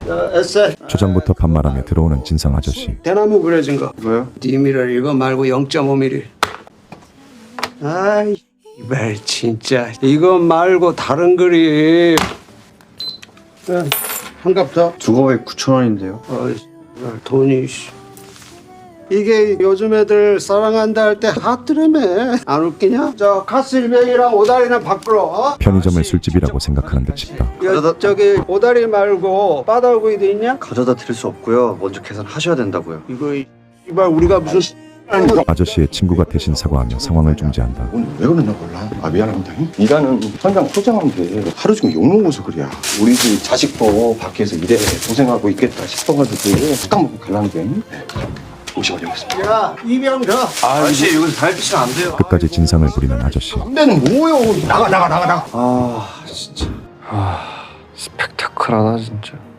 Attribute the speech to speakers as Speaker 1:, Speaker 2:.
Speaker 1: 에세.
Speaker 2: 초장부터 반말하며 들어오는 진상 아저씨.
Speaker 1: 대나무 그려진 거.
Speaker 3: 뭐요?
Speaker 1: 디미를 이거 말고 0.5mm. 아이 이발 진짜 이거 말고 다른 그림. 한갑 더.
Speaker 3: 두 거에 9,000원인데요.
Speaker 1: 돈이 이게 요즘 애들 사랑한다 할 때 하트라며. 안 웃기냐? 저 카스일명이랑 오다리는 바꾸러. 어?
Speaker 2: 편의점을 술집이라고 생각하는 듯 싶다.
Speaker 1: 저기 오다리 말고 바다구이도 있냐?
Speaker 3: 가져다 드릴 수 없고요. 먼저 계산하셔야 된다고요.
Speaker 1: 이거 이발 우리가 무슨
Speaker 2: 아저씨의 친구가 대신 사과하며 상황을 중지한다.
Speaker 4: 오늘 왜 그러나 몰라. 미안합니다. 일하는 현장 포장하면 돼. 하루 종일 욕 먹어서 그래야. 우리 집 자식도 밖에서 일해 고생하고 있겠다 싶어가지고 딱 먹고 갈라는데. 50원 여기있습니다.
Speaker 1: 야 이병 더.
Speaker 3: 아저씨 여기서 달빛이면 안 돼요.
Speaker 2: 끝까지 진상을 부리는 아저씨.
Speaker 4: 담배는 뭐요? 나가.
Speaker 3: 아 진짜. 스펙타클하다 진짜.